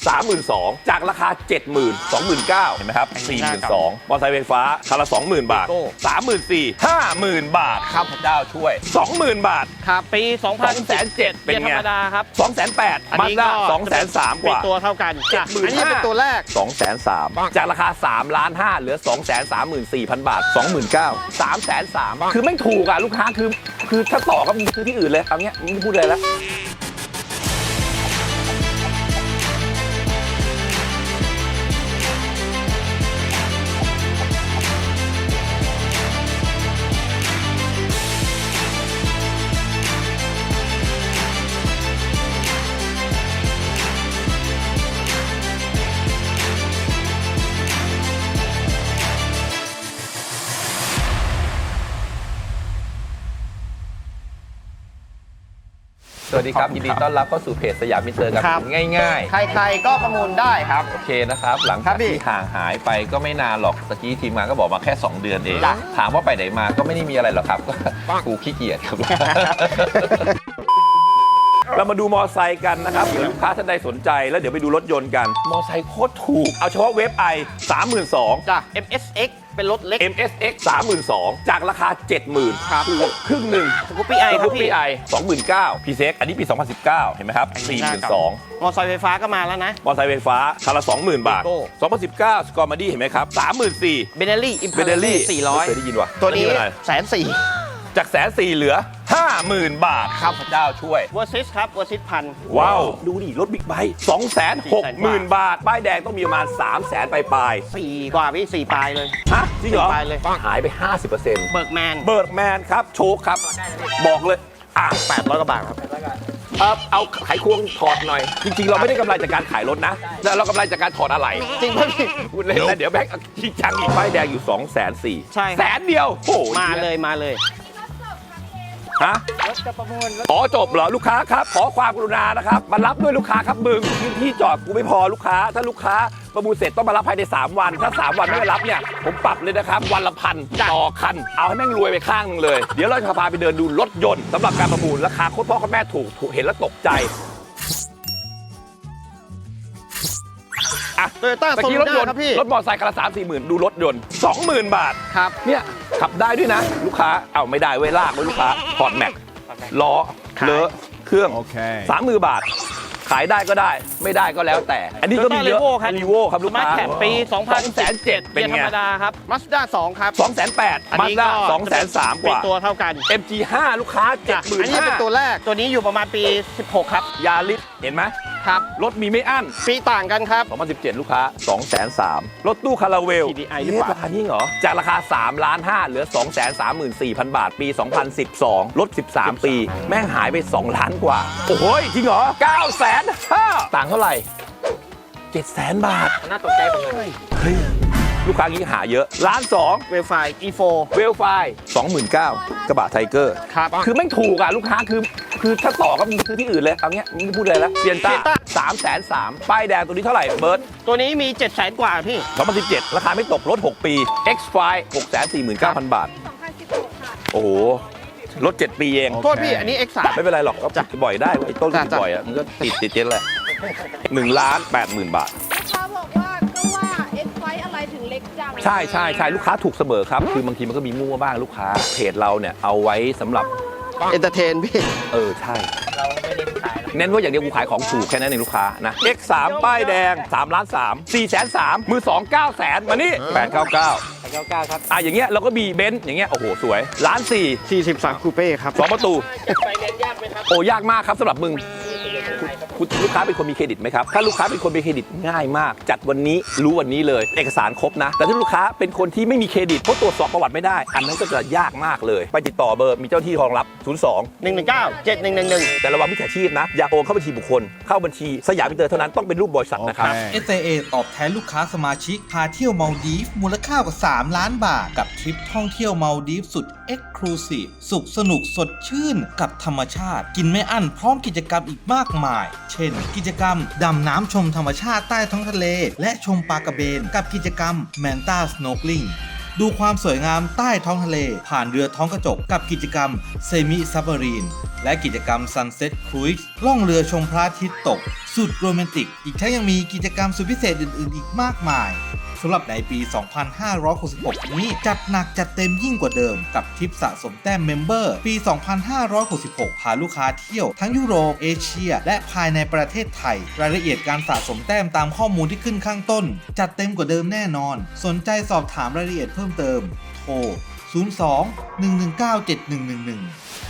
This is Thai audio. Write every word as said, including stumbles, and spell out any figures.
สามหมื่นสองพัน จากราคา เจ็ดหมื่น สองหมื่นเก้าพัน เห็นไหมครับ สี่หมื่นสองพัน มอเตอร์ไซค์ไฟฟ้าคันละ สองหมื่น บาท สามหมื่นสี่พัน ห้าหมื่น บาทครับพระเจ้าช่วย สองหมื่น บาทครับปีสองพันสองแสนเจ็ดเป็นธรรมดาครับสองแสนแปดอันมานี้ด้าก็สองแสนสาม กเป็นว่าตัวเท่ากันเจ็ดหมื่นอันนี้เป็นตัวแรกสองแสนสาม จากราคาสามล้านห้าเหลือ สองแสนสามหมื่นสี่พัน บาท สองหมื่นเก้าพัน สามแสนสาม คือไม่ถูกอ่ะลูกค้าคือคือถ้าต่อก็มึงซื้อที่อื่นเลยเอาเงี้ยมึงไม่พูดเลยแล้วสวัสดีครับยินดีต้อนรับเข้าสู่เพจสยามมิเตอร์กับง่ายๆใครๆก็ประมูลได้ครับโอเคนะครับ หลังครัจากบพี่ที่ห่างหายไปก็ไม่นานหรอกตะกี้ทีมงานก็บอกมาแค่ สอง เดือนเองจ้ะถามว่าไปไหนมาก็ไม่ได้มีอะไรหรอกครับก็กูขี้เกียจครับ เรามาดูมอไซค์กันนะครับเดี๋ยวลูกค้าท่านใดสนใจแล้วเดี๋ยวไปดูรถยนต์กัน มอไซค์โคตรถูก เอาเฉพาะเวฟไอ สามหมื่นสองพันจ้ะ เอ็ม เอส เอ็กซ์ เป็นรถเล็กเอ็ม เอส เอ็กซ์ สามหมื่นสองพัน จากราคา เจ็ดหมื่นครับถูกครึ่งหนึ่งสกูปปี้ไอครับสกูปพี่ปี้ไอ สองหมื่นเก้าพัน พี เซ็ก อันนี้ปี สองพันสิบเก้า เห็นไหมครับ สี่หมื่นสองพันมอเตอร์ไซค์ไฟฟ้าก็มาแล้วนะมอเตอร์ไซค์ไฟฟ้าคันละ สองหมื่น บาท Vigo สองพันสิบเก้า สกอร์มาดี้เห็นไหมครับ สามหมื่นสี่พันเบเนลี่ อิมเบเดลี่สี่ร้อยเคยได้ยินว่ะตัวนี้อัอะไรแสนสี่จากแสนสี่เหลือ ห้าหมื่น บาทครับพระเจ้าช่วยเวอร์ซิสครับเวอร์ซิสพันว้าว ดูดิ รถบิ๊กไบค์ สองแสนหกหมื่น บาท ป้ายแดงต้องมีประมาณ สามแสน ปลายสี่กว่าพี่สี่ปลายเลยๆฮะ จริงเหรอสี่ปลายเลยหายไป ห้าสิบเปอร์เซ็นต์เบิร์กแมนเบิร์กแมนครับ โชคครับ บอกเลย อ่ะแปดร้อยกว่าบาทครับเอ่อเอาไขควงถอดหน่อย จริงๆ เราไม่ได้กำไรจากการขายรถนะ แต่เรากำไรจากการถอดอะไหล่จริงป่ะพี่พูดเล่นนะเดี๋ยวแบงค์จริงจังอีกป้ายแดงอยู่ สองแสนสี่ใช่ครับแสนเดียว โอ้โหมาเลยมาเลยฮะอ๋อจบเหรอลูกค้าครับ ขอความกรุณานะครับ มารับด้วยลูกค้าครับมึงพื้นที่จอดกูไม่พอลูกค้า ถ้าลูกค้าประมูลเสร็จต้องมารับภายในสามวัน ถ้าสามวันไม่มารับเนี่ยผมปรับเลยนะครับ วันละพันต่อคัน เอาให้แม่งรวยไปข้างหนึงเลย เดี๋ยวเราจะพาไปเดินดูรถยนต์สำหรับการประมูลราคาโคตรพ่อโคตรแม่ถูกถูกเห็นแล้วตกใจอ่ะโตโยต้าเมื่อโซกี้ลูรถยด้านต์ครับพี่รถมอเตอร์ไซค์คันละสามสี่หมื่นดูรถยนต์สองหมื่นบาทครับเนี่ยขับได้ด้วยนะ ลูกค้าเอาไม่ได้เว้ยลากไว้ลูกค้าถอดแม็กล้อเลอะเครื่องสามหมื่นบาท ขายได้ก็ได้ไม่ได้ก็แล้วแต่ อันนี้ก็มีเยอะ Toyota Revo ครับรีโวครับลูกมาค้าแคปปีสองพันแสนเจ็ดเป็นธรไงรมดาครับมาสด้าสองครับสองแสนแปดอันมานี้ด้าก็สองแสนสามกเป็นว่าตัวเท่ากันเอ็ม จี ห้า ลูกค้าเจ็ดจ้ะหมื่นอันนี้เป็นตัวแรกตัวนี้อยู่ประมาณปีสิบหกครับยาลิสเห็นไหมครับรถมีไม่อั้นปีต่างกันครับสองพันสิบเจ็ด ลูกค้า สองแสนสาม รถตู้คาราเวลที ดี ไอ หรือเปล่าราคานี้เหรอ จากราคา สามล้านห้าเหลือ สองแสนสามหมื่นสี่พัน บาท ปี สองพันสิบสอง ลด สิบสาม ปี แม่งหายไป สอง ล้านกว่า โอ้โหจริงเหรอ เก้าแสนห้า ต่างเท่าไหร่ เจ็ดแสน บาทน่าตกใจผมเลยเฮ้ย ลูกค้างี้หาเยอะ ล้านสองเวลไฟ อี โฟเวลไฟ สองหมื่นเก้าพัน กระบะไทเกอร์ครับคือไม่ถูกอ่ะลูกค้าคือคือถ้าต่อก็มึงซื้อที่อื่นเลยเอาเงี้ยมึงไม่พูดเลยแล้วเซียนต้า Sienna สามแสนสามป้ายแดงตัวนี้เท่าไหร่เบิร์ตตัวนี้มีเจ็ดแสนกว่าพี่สองพันสิบเจ็ด ราคาไม่ตกลดหกปี X ไฟ หกแสนสี่หมื่นเก้าพัน บาทสองพันสิบหกค่ะโอ้โหลดเจ็ดปีเองโทษพี่อันนี้ เอ็กซ์ สามไม่เป็นไรหรอกก็ติดบ่อยได้ไอ้ต้นติดจ้ะบ่อยอ่ะมันก็ติดติดเจ็ดแหละหนึ่งล้านแปดหมื่นบาทลูกค้าบอกว่าก็ว่าเอ็กไฟอะไรถึงเล็กจังใช่ใช่ใช่ลูกค้าถูกเสมอครับ คือบางทีมันก็มีมั่วบ้างลูกค้าเพจเราเนี่ยเอาไว้สำหรับเอนเตอร์เทนพี่เออใช่เน้นว่าอย่างเดียวกูขายของถูกแค่นั้นเองลูกค้านะ X สาม ป้ายแดงสามล้านสาม สี่แสนสาม มือสอง เก้าแสนมานี่แปดเก้าเก้าเก้าเก้าครับอ่ะอย่างเงี้ยเราก็มีเบนซ์อย่างเงี้ยโอ้โหสวยล้านสี่สี่สิบสามคูเป้ครับสองประตูไฟแนนซ์ยากไหมครับโอ้ยากมากครับสำหรับมึงคุณลูกค้าเป็นคนมีเครดิตไหมครับถ้าลูกค้าเป็นคนมีเครดิตง่ายมาก จัดวันนี้รู้วันนี้เลยเอกสารครบนะ แต่ถ้าลูกค้าเป็นคนที่ไม่มีเครดิตเพราะตรวจสอบประวัติไม่ได้อันนั้นก็จะยากมากเลยไปติดต่อเบอร์มีเจ้าหน้าที่รองรับศูนย์สองหนึ่งหนึ่งเก้า เจ็ดหนึ่งหนึ่งหนึ่งแต่ระวังมิจฉาชีพนะอย่าโอนเข้าบัญชีบุคคลเข้าบัญชีสยามมิเตอร์เท่านั้นต้องเป็นรูปบริษัทนะครับเอส ไอ เอ ตอบแทนลูกค้าสมาชิกพาเที่ยวมาลดีฟมูลค่ากว่าสามล้านบาทกับทริปท่องเที่ยวมาลดีฟสุด Exclusive สุขสนุกสดชื่นกับธรรมชาติกินไม่อั้นพร้อมกิจกรรมอีกมากมาย เช่น กิจกรรมดำน้ำชมธรรมชาติใต้ท้องทะเลและชมปลากระเบนกับกิจกรรม Manta Snorkeling ดูความสวยงามใต้ท้องทะเลผ่านเรือท้องกระจกกับกิจกรรมเซมิซับมารีนและกิจกรรม Sunset Cruise ล่องเรือชมพระอาทิตย์ตกสุดโรแมนติกอีกทั้งยังมีกิจกรรมสุดพิเศษอื่นๆอีกมากมายสำหรับในปี สองพันห้าร้อยหกสิบหก นี้จัดหนักจัดเต็มยิ่งกว่าเดิมกับทริปสะสมแต้มเมมเบอร์ปี สองพันห้าร้อยหกสิบหก พาลูกค้าเที่ยวทั้งยุโรปเอเชียและภายในประเทศไทยรายละเอียดการสะสมแต้มตามข้อมูลที่ขึ้นข้างต้นจัดเต็มกว่าเดิมแน่นอนสนใจสอบถามรายละเอียดเพิ่มเติมโทรศูนย์ สอง หนึ่ง หนึ่ง เก้า เจ็ด หนึ่ง หนึ่ง หนึ่ง